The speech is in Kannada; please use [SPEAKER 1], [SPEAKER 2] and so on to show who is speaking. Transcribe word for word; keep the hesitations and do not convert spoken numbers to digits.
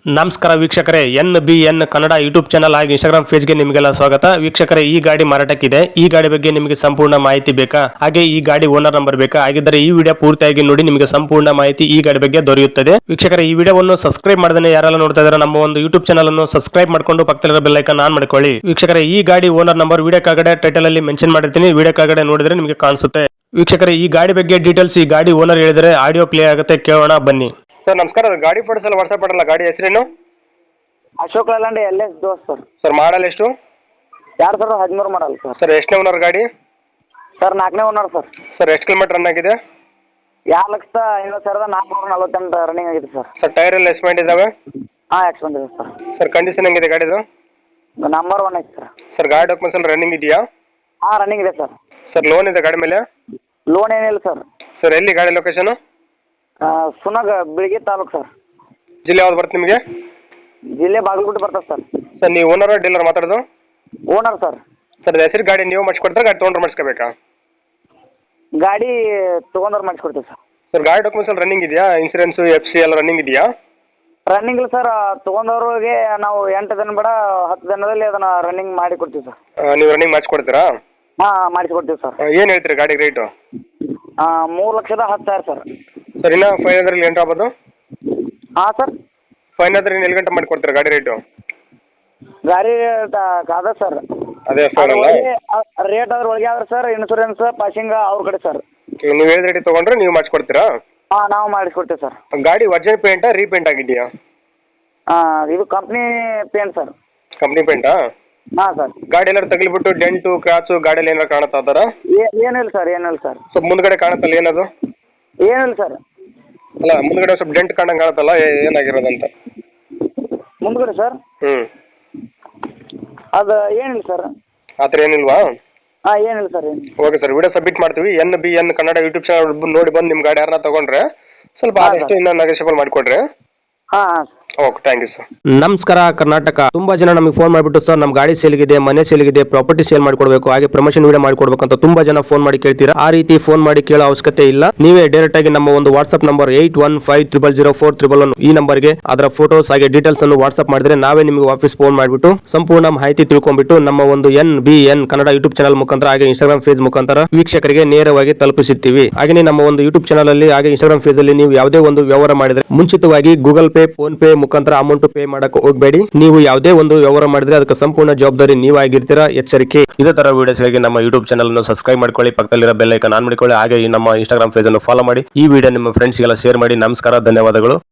[SPEAKER 1] ನಮಸ್ಕಾರ ವೀಕ್ಷಕರೇ, N B N Kannada YouTube channel ಹಾಗೂ ಇನ್ಸ್ಟಾಗ್ರಾಮ್ ಪೇಜ್ಗೆ ನಿಮಗೆಲ್ಲ ಸ್ವಾಗತ. ವೀಕ್ಷಕರೇ, ಈ ಗಾಡಿ ಮಾರಾಟಕ್ಕಿದೆ. ಈ ಗಾಡಿ ಬಗ್ಗೆ ನಿಮಗೆ ಸಂಪೂರ್ಣ ಮಾಹಿತಿ ಬೇಕಾ? ಹಾಗೆ ಈ ಗಾಡಿ ಓನರ್ ನಂಬರ್ ಬೇಕಾ? ಹಾಗಿದ್ದರೆ ಈ ವಿಡಿಯೋ ಪೂರ್ತಿಯಾಗಿ ನೋಡಿ, ನಿಮಗೆ ಸಂಪೂರ್ಣ ಮಾಹಿತಿ ಈ ಗಾಡಿ ಬಗ್ಗೆ ದೊರೆಯುತ್ತದೆ. ವೀಕ್ಷಕರೇ, ಈ ವಿಡಿಯೋವನ್ನು ಸಬ್ಸ್ಕ್ರೈಬ್ ಮಾಡದೇ ಯಾರೆಲ್ಲ ನೋಡ್ತಾ ಇದ್ದಾರೆ ನಮ್ಮ ಒಂದು ಯೂಟ್ಯೂಬ್ ಚಾನಲ್ ಅನ್ನು ಸಬ್ಸ್ಕ್ರೈಬ್ ಮಾಡ್ಕೊಂಡು ಪಕ್ಕದಲ್ಲಿರೋ ಬೆಲ್ ಐಕಾನ್ ಆನ್ ಮಾಡ್ಕೊಳ್ಳಿ. ವೀಕ್ಷಕರೇ, ಈ ಗಾಡಿ ಓನರ್ ನಂಬರ್ ವಿಡಿಯೋ ಕೆಳಗಡೆ ಟೈಟಲ್ ಅಲ್ಲಿ ಮೆನ್ಷನ್ ಮಾಡಿರ್ತೀನಿ, ವಿಡಿಯೋ ಕೆಳಗಡೆ ನೋಡಿದ್ರೆ ನಿಮಗೆ ಕಾಣಿಸುತ್ತೆ. ವೀಕ್ಷಕರೇ, ಈ ಗಾಡಿ ಬಗ್ಗೆ ಡೀಟೇಲ್ಸ್ ಈ ಗಾಡಿ ಓನರ್ ಹೇಳಿದರೆ ಆಡಿಯೋ ಪ್ಲೇ ಆಗುತ್ತೆ, ಕೇಳೋಣ ಬನ್ನಿ. ಸರ್ ನಮಸ್ಕಾರ, ಗಾಡಿ ಫೋಟೋಸ್ ಎಲ್ಲ ವಾಟ್ಸ್ಆಪ್ ಮಾಡಲ್ಲ. ಗಾಡಿ ಹೆಸರೇನು?
[SPEAKER 2] Ashok Leyland L S Dost sir.
[SPEAKER 1] Sir model ಎಷ್ಟು?
[SPEAKER 2] ಎರಡು ಸಾವಿರದ ಹದಿಮೂರು ಮಾಡಲ್ ಸರ್.
[SPEAKER 1] ಸರ್ ಎಷ್ಟನೇ ಓನರ್ ಗಾಡಿ?
[SPEAKER 2] ಸರ್ ನಾಲ್ಕನೇ ಓನರ್ ಸರ್.
[SPEAKER 1] ಸರ್ ಎಷ್ಟು ಕಿಲೋಮೀಟರ್ ರನ್ ಆಗಿದೆ?
[SPEAKER 2] ಎರಡು ಲಕ್ಷದ ಐವತ್ತು ಸಾವಿರದ ನಾಲ್ಕುನೂರ ನಲವತ್ತೆಂಟು ರನ್ನಿಂಗ್ ಆಗಿದೆ ಸರ್.
[SPEAKER 1] ಸರ್ ಟೈರ್ ಎಲ್ಲ ಎಸ್ಪೆಂಟ್ ಇದಾವೆ?
[SPEAKER 2] ಹಾಂ, ಎಕ್ಸ್ಪೆಂಟ್ ಇದೆ ಸರ್.
[SPEAKER 1] ಸರ್ ಕಂಡೀಷನ್ ಹೆಂಗಿದೆ ಗಾಡಿದು?
[SPEAKER 2] ನಂಬರ್ ಒನ್ ಐತೆ ಸರ್.
[SPEAKER 1] ಸರ್ ಗಾಡಿ ಡಾಕ್ಯುಮೆಂಟ್ಸ್ ಎಲ್ಲ ರನ್ನಿಂಗ್ ಇದೆಯಾ?
[SPEAKER 2] ಹಾಂ, ರನ್ನಿಂಗ್ ಇದೆ ಸರ್.
[SPEAKER 1] ಸರ್ ಲೋನ್ ಇದೆ ಗಾಡಿ ಮೇಲೆ?
[SPEAKER 2] ಲೋನ್ ಏನಿಲ್ಲ ಸರ್.
[SPEAKER 1] ಸರ್ ಎಲ್ಲಿ ಗಾಡಿ ಲೊಕೇಶನ್?
[SPEAKER 2] ಸುನಗ ಬಿಳಿಗಿ ತಾಲೂಕು ಸರ್.
[SPEAKER 1] ಜಿಲ್ಲೆ ಯಾವ್ದು ಬರುತ್ತೆ ನಿಮಗೆ?
[SPEAKER 2] ಜಿಲ್ಲೆ ಬಾಗಲಕೋಟೆ ಬರ್ತದೆ ಸರ್.
[SPEAKER 1] ಸರ್ ನೀವು ಓನರ್ ಡೀಲರ್ ಮಾತಾಡೋದು?
[SPEAKER 2] Owner sir.
[SPEAKER 1] ಸರ್ ಹೆಸರು ಗಾಡಿ ನೀವು ಮಾಡಿಸ್ಕೊಡ್ತಾರೆ, ಗಾಡಿ ತೊಗೊಂಡ್ರೆ ಮಾಡಿಸ್ಕೋಬೇಕಾ?
[SPEAKER 2] ಗಾಡಿ ತೊಗೊಂಡ್ರೆ ಮಾಡಿಸ್ಕೊಡ್ತೀವಿ ಸರ್.
[SPEAKER 1] ಸರ್ ಗಾಡಿ ಡಾಕ್ಯುಮೆಂಟ್ಸ್ ಎಲ್ಲ ರನ್ನಿಂಗ್ ಇದೆಯಾ? ಇನ್ಸೂರೆನ್ಸು ಎಫ್ ಸಿ ಎಲ್ಲ ರನ್ನಿಂಗ್ ಇದೆಯಾ?
[SPEAKER 2] ರನ್ನಿಂಗ್ ಇಲ್ಲ ಸರ್. ತೊಗೊಂಡವ್ರಿಗೆ ನಾವು ಎಂಟು ದಿನ ಬೇಡ ಹತ್ತು ದಿನದಲ್ಲಿ ಅದನ್ನು ರನ್ನಿಂಗ್ ಮಾಡಿ ಕೊಡ್ತೀವಿ ಸರ್.
[SPEAKER 1] ನೀವು ರನ್ನಿಂಗ್ ಮಾಡಿಸ್ಕೊಡ್ತೀರಾ?
[SPEAKER 2] ಹಾಂ, ಮಾಡಿಸ್ಕೊಡ್ತೀವಿ ಸರ್.
[SPEAKER 1] ಏನು ಹೇಳ್ತೀರಿ ಗಾಡಿ ರೇಟು?
[SPEAKER 2] ಮೂರು ಲಕ್ಷದ ಹತ್ತು ಸಾವಿರ ಸರ್.
[SPEAKER 1] ಸರ್ ಇನ್ನೂ ಫೈವ್ ಹಂಡ್ರೆಡ್ ಎಂಟು ಆಗ್ಬೋದು?
[SPEAKER 2] ಹಾಂ ಸರ್.
[SPEAKER 1] ಫೈನ್ ಆದ್ರೆ ಎಲ್ಲಿ ಗಂಟೆ ಮಾಡಿ ಕೊಡ್ತೀರಾ ಗಾಡಿ ರೇಟು?
[SPEAKER 2] ಗಾಡಿ ಅದ ಸರ್.
[SPEAKER 1] ಅದೇ ಸರ್ ಅಲ್ಲ
[SPEAKER 2] ರೇಟ್ ಅದ್ರ ಒಳಗೆ ಆದ್ರೆ ಸರ್, ಇನ್ಸೂರೆನ್ಸ್ ಪಾಸಿಂಗ್ ಅವ್ರ ಕಡೆ ಸರ್.
[SPEAKER 1] ನೀವು ಹೇಳಿದ ರೇಟ್ ತೊಗೊಂಡ್ರೆ ನೀವು ಮಾಡಿಸ್ಕೊಡ್ತೀರಾ?
[SPEAKER 2] ಹಾಂ, ನಾವು ಮಾಡಿಸ್ಕೊಡ್ತೀವಿ ಸರ್.
[SPEAKER 1] ಗಾಡಿ ಒರಿಜಿನಲ್ ಪೇಂಟಾ ರೀಪೇಂಟ್ ಆಗಿದೆಯಾ?
[SPEAKER 2] ಹಾಂ, ಇದು ಕಂಪ್ನಿ ಪೇಂಟ್ ಸರ್.
[SPEAKER 1] ಕಂಪ್ನಿ ಪೇಂಟಾ?
[SPEAKER 2] ಹಾಂ ಸರ್.
[SPEAKER 1] ಗಾಡಿ ಎಲ್ಲರೂ ತಗಲಿಬಿಟ್ಟು ಡೆಂಟು ಕ್ರಾಚು ಗಾಡಿಯಲ್ಲಿ ಏನಾರು ಕಾಣುತ್ತಾ ಆ ಥರ?
[SPEAKER 2] ಏನಿಲ್ಲ ಸರ್, ಏನಿಲ್ಲ ಸರ್.
[SPEAKER 1] ಸ್ವಲ್ಪ ಮುಂದ್ಗಡೆ ಕಾಣುತ್ತಲ್ಲ ಏನದು?
[SPEAKER 2] ಏನಿಲ್ಲ ಸರ್.
[SPEAKER 1] ಅಲ್ಲ ಮುಂದ್ಗಡೆ ಸ್ವಲ್ಪ ಡೆಂಟ್ ಕಾಣಂಗೆ ಕಾಣುತ್ತಲ್ಲ, ಏನಾಗಿರೋದಂತ?
[SPEAKER 2] ಮುಂದ್ಗಡೆ ಸರ್?
[SPEAKER 1] ಹ್ಞೂ
[SPEAKER 2] ಅದು ಏನಿಲ್ಲ ಸರ್.
[SPEAKER 1] ಆ ಥರ ಏನಿಲ್ವಾ?
[SPEAKER 2] ಹಾಂ, ಏನಿಲ್ಲ ಸರ್, ಏನಿಲ್ಲ.
[SPEAKER 1] ಓಕೆ ಸರ್, ವಿಡಿಯೋ ಸಬ್ಮಿಟ್ ಮಾಡ್ತೀವಿ. N B N Kannada YouTube channel ನೋಡಿ ಬಂದು ನಿಮ್ಮ ಗಾಡಿ ಯಾರನ್ನ ತೊಗೊಂಡ್ರೆ ಸ್ವಲ್ಪ ಆದಷ್ಟು ಇನ್ನೂ ನೆಗೋಷಿಯಬಲ್ ಮಾಡಿಕೊಡ್ರಿ.
[SPEAKER 2] ಹಾಂ ಹಾಂ.
[SPEAKER 1] Okay, thank you sir. ನಮಸ್ಕಾರ ಕರ್ನಾಟಕ. ತುಂಬಾ ಜನ ನಮಗೆ ಫೋನ್ ಮಾಡಿಬಿಟ್ಟು ಸರ್ ನಮ್ಮ ಗಾಡಿ ಸೇಲ್ಗಿದೆ, ಮನೆ ಸೇಲ್ಗಿದೆ, ಪ್ರಾಪರ್ಟಿ ಸೇಲ್ ಮಾಡ್ಕೊಡ್ಬೇಕು, ಹಾಗೆ ಪ್ರಮೋಷನ್ ವಿಡಿಯೋ ಮಾಡ್ಕೊಡ್ಬೇಕು ಅಂತ ತುಂಬಾ ಜನ ಫೋನ್ ಮಾಡಿ ಕೇಳ್ತೀರಾ. ಆ ರೀತಿ ಫೋನ್ ಮಾಡಿ ಕೇಳೋ ಅವಶ್ಯಕತೆ ಇಲ್ಲ. ನೀವೇ ಡೈರೆಕ್ಟ್ ಆಗಿ ನಮ್ಮ ಒಂದು WhatsApp number eight one five triple zero four triple one ಈ ನಂಬರ್ಗೆ ಅದರ ಫೋಟೋಸ್ ಹಾಗೆ ಡೀಟೇಲ್ಸ್ ಅನ್ನು ವಾಟ್ಸ್ಆಪ್ ಮಾಡಿದ್ರೆ ನಾವೇ ನಿಮಗೆ ವಾಪಸ್ ಫೋನ್ ಮಾಡಿಬಿಟ್ಟು ಸಂಪೂರ್ಣ ಮಾಹಿತಿ ತಿಳ್ಕೊಂಡ್ಬಿಟ್ಟು ನಮ್ಮ ಒಂದು N B N Kannada YouTube channel ಮುಖಾಂತರ ಹಾಗೆ ಇನ್ಸ್ಟಾಗ್ರಾಮ್ ಪೇಜ್ ಮುಖಾಂತರ ವೀಕ್ಷಕರಿಗೆ ನೇರವಾಗಿ ತಲುಪಿಸುತ್ತೀವಿ. ಹಾಗೆ ನಮ್ಮ ಒಂದು ಯೂಟ್ಯೂಬ್ ಚಾನಲ್ ಅಲ್ಲಿ ಹಾಗೆ ಇನ್ಸ್ಟಾಗ್ರಾಮ್ ಪೇಜ್ ಅಲ್ಲಿ ನೀವು ಯಾವುದೇ ಒಂದು ವ್ಯವಹಾರ ಮಾಡಿದ್ರೆ ಮುಂಚಿತವಾಗಿ ಗೂಗಲ್ ಪೇ, ಫೋನ್ ಪೇ ಮುಖಾಂತರ ಅಮೌಂಟ್ ಪೇ ಮಾಡಕ್ಕೆ ಹೋಗಬೇಡಿ. ನೀವು ಯಾವುದೇ ಒಂದು ವ್ಯವಹಾರ ಮಾಡಿದ್ರೆ ಅದಕ್ಕೆ ಸಂಪೂರ್ಣ ಜವಾಬ್ದಾರಿ ನೀವಾಗಿರ್ತೀರಾ, ಎಚ್ಚರಿಕೆ. ಇದೇ ತರ ವಿಡಿಯೋಸ್ಗಾಗಿ ನಮ್ಮ ಯೂಟ್ಯೂಬ್ ಚಾನಲ್ ಅನ್ನು ಸಬ್ಸ್ಕ್ರೈಬ್ ಮಾಡ್ಕೊಳ್ಳಿ, ಪಕ್ಕದಲ್ಲಿರೋ ಬೆಲ್ ಐಕಾನ್ ಆನ್ ಮಾಡಿಕೊಳ್ಳಿ, ಹಾಗೆ ನಮ್ಮ ಇನ್ಸ್ಟಾಗ್ರಾಮ್ ಪೇಜ್ ಅನ್ನು ಫಾಲೋ ಮಾಡಿ. ಈ ವಿಡಿಯೋ ನಿಮ್ಮ ಫ್ರೆಂಡ್ಸ್ಗೆಲ್ಲ ಶೇರ್ ಮಾಡಿ. ನಮಸ್ಕಾರ, ಧನ್ಯವಾದಗಳು.